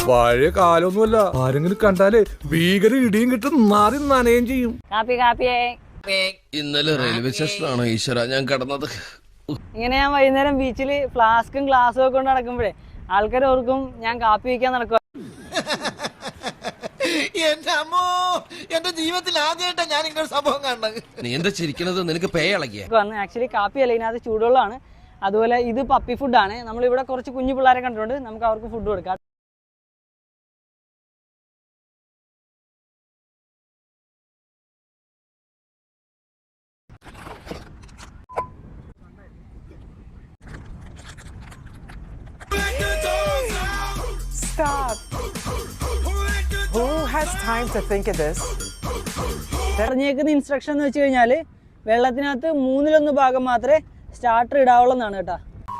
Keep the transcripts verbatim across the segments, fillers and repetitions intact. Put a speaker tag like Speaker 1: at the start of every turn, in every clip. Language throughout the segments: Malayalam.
Speaker 1: പഴയ കാലൊന്നുമല്ല. ആരെങ്കിലും കണ്ടാലേ ഭീകര ഇടിയും കിട്ടും, മാറി നനയും ചെയ്യും.
Speaker 2: കാപ്പി കാപ്പിയേ.
Speaker 3: ഇന്നലെ റെയിൽവേ സ്റ്റേഷനാണോ ഈശ്വര ഞാൻ കടന്നത്?
Speaker 2: ഇങ്ങനെ ഞാൻ വൈകുന്നേരം ബീച്ചില് ഫ്ലാസ്കും ഗ്ലാസ്സും ഒക്കെ കൊണ്ട് നടക്കുമ്പോഴേ ആൾക്കാർ ഓർക്കും ഞാൻ കാപ്പി വയ്ക്കാൻ നടക്കുക.
Speaker 4: എന്റെ അമ്മോ, എന്റെ ജീവിതത്തിൽ ആദ്യമായിട്ടാണ് ഞാൻ ഇങ്ങനെ സംഭവം കാണുന്നത്.
Speaker 3: നീ എന്താ ചിരിക്കണത്? നിനക്ക് പേ ഇളകിയ?
Speaker 2: ആക്ച്വലി കാപ്പി അല്ല, ഇതിനകത്ത് ചൂടുവെള്ളമാണ്. അതുപോലെ ഇത് പപ്പി ഫുഡാണ്. നമ്മളിവിടെ കുറച്ച് കുഞ്ഞു പിള്ളേരെ കണ്ടിട്ടുണ്ട്, നമുക്ക് അവർക്ക് ഫുഡ് കൊടുക്കാം.
Speaker 5: Stop. Who has time to think of this?
Speaker 2: പറഞ്ഞേക്കുന്ന ഇൻസ്ട്രക്ഷൻ എന്ന് വെച്ച് കഴിഞ്ഞാല് വെള്ളത്തിനകത്ത് മൂന്നിലൊന്ന് ഭാഗം മാത്രമേ സ്റ്റാർട്ടർ ഇടാവുള്ളൂ എന്നാണ് കേട്ടാ.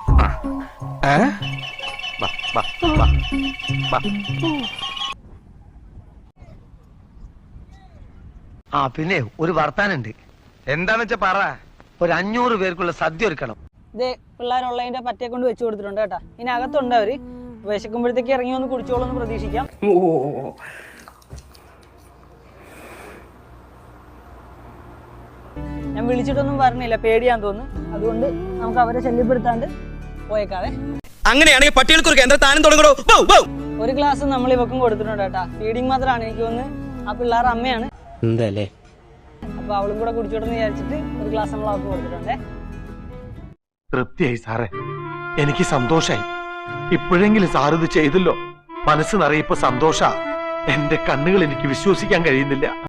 Speaker 6: ആ പിന്നെ ഒരു വർത്താനുണ്ട്. എന്താന്ന് വെച്ചാ പറ. ഒരു അഞ്ഞൂറ് പേർക്കുള്ള സദ്യ ഒരുക്കണം.
Speaker 2: ഇത് പിള്ളേരുള്ളതിന്റെ പറ്റേ കൊണ്ട് വെച്ച് കൊടുത്തിട്ടുണ്ട് കേട്ടാ. ഇനി അകത്തുണ്ട് അവര്. വിശക്കുമ്പോഴത്തേക്ക് ഇറങ്ങി വന്ന് കുടിച്ചോളൂ എന്ന് പ്രതീക്ഷിക്കാം. ഞാൻ വിളിച്ചിട്ടൊന്നും പറഞ്ഞില്ല, പേടിയാന്ന് തോന്നുന്നു. അതുകൊണ്ട് നമുക്ക് അവരെ ശല്യപ്പെടുത്താണ്ട് പോയേക്കാവേ.
Speaker 7: അങ്ങനെയാണെങ്കിൽ പട്ടികൾക്ക് ഒരു കേന്ദ്ര താനം തുടങ്ങണോ?
Speaker 2: ഒരു ഗ്ലാസ് നമ്മൾ ഇവക്കും കൊടുത്തിട്ടുണ്ട് കേട്ടാ. ഫീഡിങ് മാത്രമാണ്. എനിക്ക് തോന്നുന്നു ആ പിള്ളേർ അമ്മയാണ്.
Speaker 7: എന്തല്ലേ?
Speaker 2: അപ്പൊ അവളും കൂടെ കുടിച്ചോട്ടെന്ന് വിചാരിച്ചിട്ട് ഒരു ഗ്ലാസ് നമ്മൾ അവർക്ക് കൊടുത്തിട്ടുണ്ടേ.
Speaker 8: തൃപ്തിയായി സാറേ, എനിക്ക് സന്തോഷായി. ഇപ്പോഴെങ്കിലും സാർ ഇത് ചെയ്തല്ലോ. മനസ്സ് നിറയിപ്പോ സന്തോഷ. എന്റെ കണ്ണുകൾ എനിക്ക് വിശ്വസിക്കാൻ കഴിയുന്നില്ല.